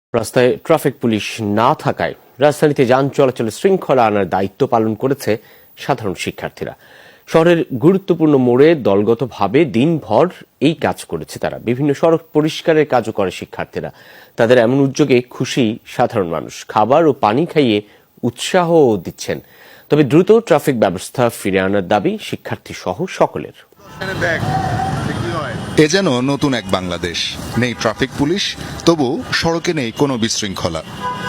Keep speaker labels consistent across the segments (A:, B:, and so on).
A: রাস্তায় traffic police না থাকায় রাজধানীতে যান চলাচলে শৃঙ্খলা আনার দায়িত্ব পালন করেছে সাধারণ শিক্ষার্থীরা। শহরের গুরুত্বপূর্ণ মোড়ে দলগতভাবে দিনভর এই কাজ করেছে তারা। বিভিন্ন সড়ক পরিষ্কারের কাজও করে শিক্ষার্থীরা। তাদের এমন উদ্যোগে খুশি সাধারণ মানুষ। খাবার ও পানি খাইয়ে উৎসাহ দিচ্ছেন। তবে দ্রুত ট্রাফিক ব্যবস্থা ফিরে আনার দাবি শিক্ষার্থী সহ সকলের।
B: এ যেন নতুন এক বাংলাদেশ। নেই ট্রাফিক পুলিশ, তবু সড়কে নেই কোনো বিশৃঙ্খলা।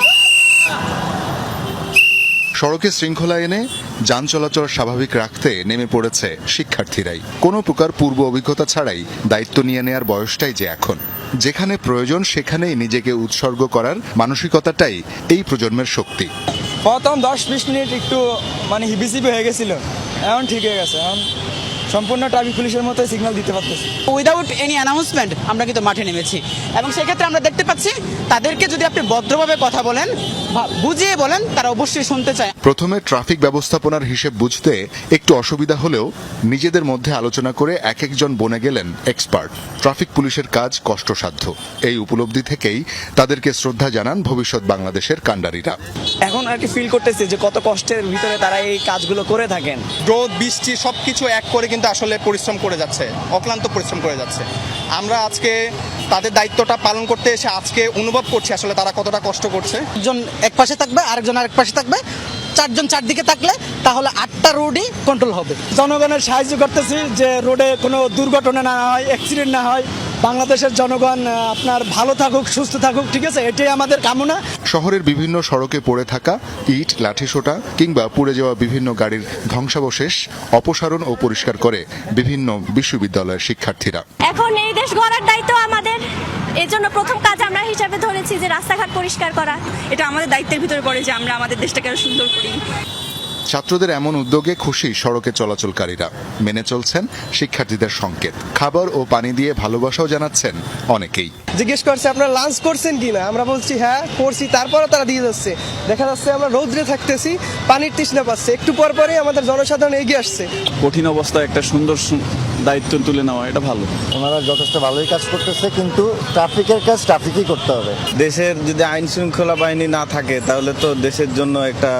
B: সড়কে শৃঙ্খলা এনে যান চলাচল স্বাভাবিক রাখতে নেমে পড়েছে শিক্ষার্থীরাই। কোনো প্রকার পূর্ব অভিজ্ঞতা ছাড়াই দায়িত্ব নিয়ে নেয়ার বয়সটাই যে এখন। যেখানে প্রয়োজন সেখানেই নিজেকে উৎসর্গ করার মানসিকতাটাই এই প্রজন্মের শক্তি।
C: প্রথম 10-20 মিনিট একটু হিবিজিবি হয়ে গেছিল, এখন ঠিক হয়ে গেছে। এখন সম্পূর্ণ ট্রাফিক পুলিশের মতো সিগন্যাল দিতে পারতেছি।
D: উইদাউট এনি অ্যানাউন্সমেন্ট আমরা কিন্তু মাঠে নেমেছি এবং সেক্ষেত্রে আমরা দেখতে পাচ্ছি তাদেরকে যদি আপনি ভদ্রভাবে কথা বলেন, বুঝিয়ে বলেন, তারা অবশ্যই শুনতে চায়।
B: প্রথমে ট্রাফিক ব্যবস্থাপনার হিসেব বুঝতে একটু অসুবিধা হলেও নিজেদের মধ্যে আলোচনা করে এক একজন বনে গেলেন এক্সপার্ট। ট্রাফিক পুলিশের কাজ কষ্টসাধ্য, এই উপলব্ধি থেকেই তাদেরকে শ্রদ্ধা জানান ভবিষ্যৎ বাংলাদেশের কাণ্ডারীরা।
C: এখন আর কি ফিল করতেছি যে কত কষ্টের ভিতরে তারা এই কাজগুলো করে থাকেন।
E: রোদ বৃষ্টি সবকিছু এক করে কিন্তু আসলে পরিশ্রম করে যাচ্ছে, অক্লান্ত পরিশ্রম করে যাচ্ছে। আমরা আজকে তাদের দায়িত্বটা পালন করতে এসে আজকে অনুভব করছি আসলে তারা কতটা কষ্ট করছে।
D: একজন এক পাশে থাকবে, আরেকজন আরেক পাশে থাকবে, চারজন চারদিকে থাকলে তাহলে 8টা রোডই কন্ট্রোল হবে।
C: জনগণের সাহায্য করতেছি যে রোডে কোনো দুর্ঘটনা না হয়, অ্যাক্সিডেন্ট না হয়, বাংলাদেশের জনগণ আপনার ভালো থাকুক, সুস্থ থাকুক, ঠিক আছে, এটাই আমাদের কামনা।
B: শহরের বিভিন্ন সড়কে পড়ে থাকা ইট, লাঠিসোঁটা কিংবা পুড়ে যাওয়া বিভিন্ন গাড়ির ধ্বংসাবশেষ অপসারণ ও পরিষ্কার করে বিভিন্ন বিশ্ববিদ্যালয়ের শিক্ষার্থীরা।
F: এখন এই দেশ গড়ার দায়িত্ব আমাদের। এর জন্য প্রথম কাজ আমরা হিসাবে ধরেছি যে রাস্তাঘাট পরিষ্কার করা।
G: এটা আমাদের দায়িত্বের ভিতরে পড়ে যে আমরা আমাদের দেশটাকে আরো সুন্দর করি।
B: ছাত্রদের এমন উদ্যোগে খুশি সড়কে চলাচলকারীরা। মেনে চলছেন শিক্ষার্থীদের সংকেত। খাবার ও পানি দিয়ে ভালোবাসাও জানাচ্ছেন অনেকেই।
C: জিজ্ঞেস করছে আপনারা লাঞ্চ করছেন কিনা, আমরা বলছি হ্যাঁ করছি, তারপরও তারা দিয়ে যাচ্ছে। দেখা যাচ্ছে আমরা রৌদ্রে থাকতেছি, পানির তৃষ্ণা পাচ্ছে, একটু পর পরই আমাদের জনসাধারণ এগিয়ে আসছে।
H: কঠিন অবস্থায় একটা সুন্দর দায়িত্ব তুলে নেওয়া, এটা ভালো।
I: ওনারা যথেষ্ট ভালোই কাজ করতেছে, কিন্তু ট্রাফিকের কাজ ট্রাফিকই করতে হবে।
H: দেশের যদি আইন শৃঙ্খলা বাহিনী না থাকে তাহলে তো দেশের জন্য এটা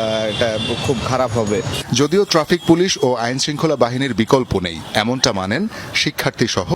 H: খুব খারাপ হবে।
B: যদিও ট্রাফিক পুলিশ ও আইন শৃঙ্খলা বাহিনীর বিকল্প নেই, এমনটা মানেন শিক্ষার্থী সহ